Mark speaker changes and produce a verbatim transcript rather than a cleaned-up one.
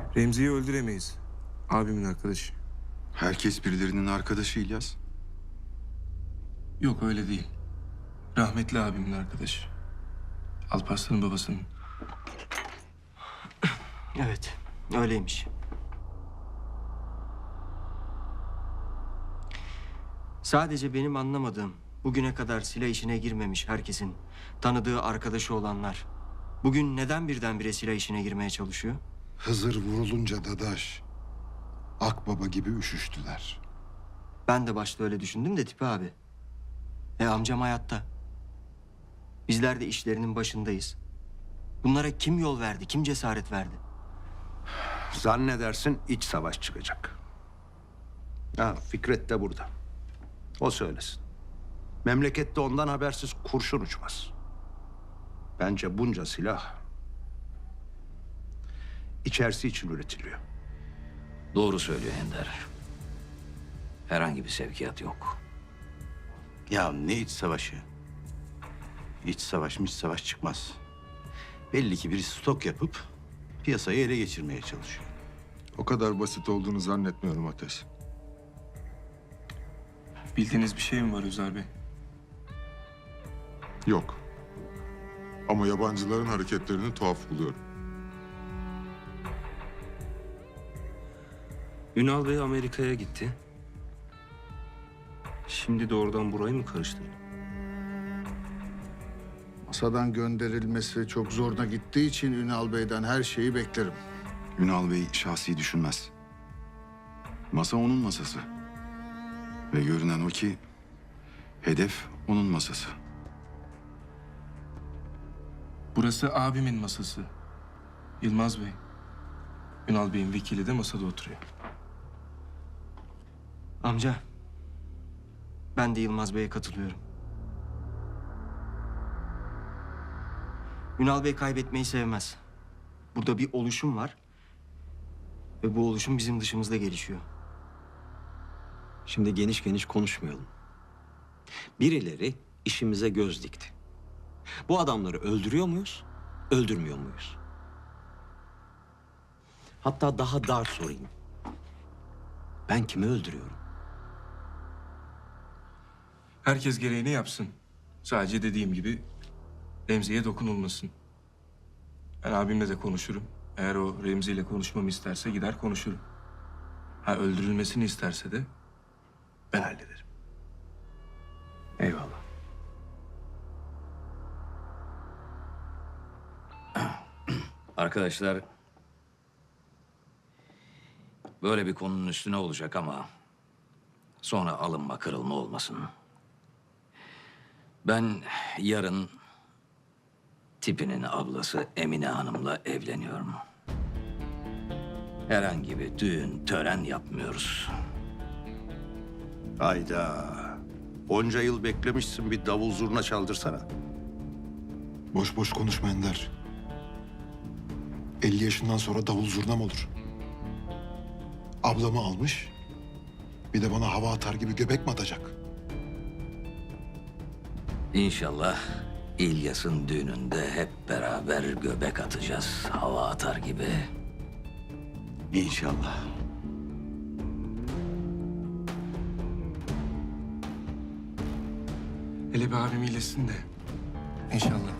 Speaker 1: Remzi'yi öldüremeyiz. Abimin arkadaşı.
Speaker 2: Herkes birilerinin arkadaşı İlyas.
Speaker 1: Yok öyle değil. Rahmetli abimin arkadaşı. Alparslan'ın babasının.
Speaker 3: Evet, öyleymiş. Sadece benim anlamadığım, bugüne kadar silah işine girmemiş herkesin tanıdığı arkadaşı olanlar bugün neden birdenbire silah işine girmeye çalışıyor?
Speaker 4: Hızır vurulunca Dadaş, Akbaba gibi üşüştüler.
Speaker 3: Ben de başta öyle düşündüm de Tipi abi. E amcam hayatta. Bizler de işlerinin başındayız. Bunlara kim yol verdi, kim cesaret verdi?
Speaker 5: Zannedersin iç savaş çıkacak. Ha, Fikret de burada. O söylesin. Memlekette ondan habersiz kurşun uçmaz. Bence bunca silah içerisi için üretiliyor.
Speaker 6: Doğru söylüyor Ender. Herhangi bir sevkiyat yok.
Speaker 7: Ya ne iç savaşı? İç savaş, iç savaş çıkmaz. Belli ki birisi stok yapıp piyasayı ele geçirmeye çalışıyor.
Speaker 2: O kadar basit olduğunu zannetmiyorum Ateş.
Speaker 1: Bildiğiniz bir şey mi var Özer Bey?
Speaker 2: Yok. Ama yabancıların hareketlerini tuhaf buluyorum.
Speaker 8: Ünal Bey Amerika'ya gitti. Şimdi de oradan burayı mı karıştırdı?
Speaker 4: Masadan gönderilmesi çok zoruna gittiği için Ünal Bey'den her şeyi beklerim.
Speaker 2: Ünal Bey şahsi düşünmez. Masa onun masası. Ve görünen o ki hedef onun masası.
Speaker 1: Burası abimin masası. Yılmaz Bey. Ünal Bey'in vekili de masada oturuyor.
Speaker 3: Amca, ben de Yılmaz Bey'e katılıyorum. Ünal Bey kaybetmeyi sevmez. Burada bir oluşum var. Ve bu oluşum bizim dışımızda gelişiyor.
Speaker 9: Şimdi geniş geniş konuşmayalım. Birileri işimize göz dikti. Bu adamları öldürüyor muyuz, öldürmüyor muyuz? Hatta daha dar sorayım. Ben kimi öldürüyorum?
Speaker 1: Herkes gereğini yapsın. Sadece dediğim gibi Remzi'ye dokunulmasın. Ben abimle de konuşurum. Eğer o Remzi ile konuşmamı isterse gider konuşurum. Ha öldürülmesini isterse de ben hallederim.
Speaker 9: Eyvallah.
Speaker 6: Arkadaşlar, böyle bir konunun üstüne olacak ama sonra alınma kırılma olmasın. Ben yarın Tipi'nin ablası Emine Hanım'la evleniyorum. Herhangi bir düğün, tören yapmıyoruz.
Speaker 5: Hayda. Onca yıl beklemişsin, bir davul zurna çaldırsana.
Speaker 4: Boş boş konuşma Ender. elli yaşından sonra davul zurna mı olur? Ablamı almış, bir de bana hava atar gibi göbek mi atacak?
Speaker 6: İnşallah İlyas'ın düğününde hep beraber göbek atacağız. Hava atar gibi.
Speaker 7: İnşallah.
Speaker 1: Hele bir abim iyileşsin de. İnşallah.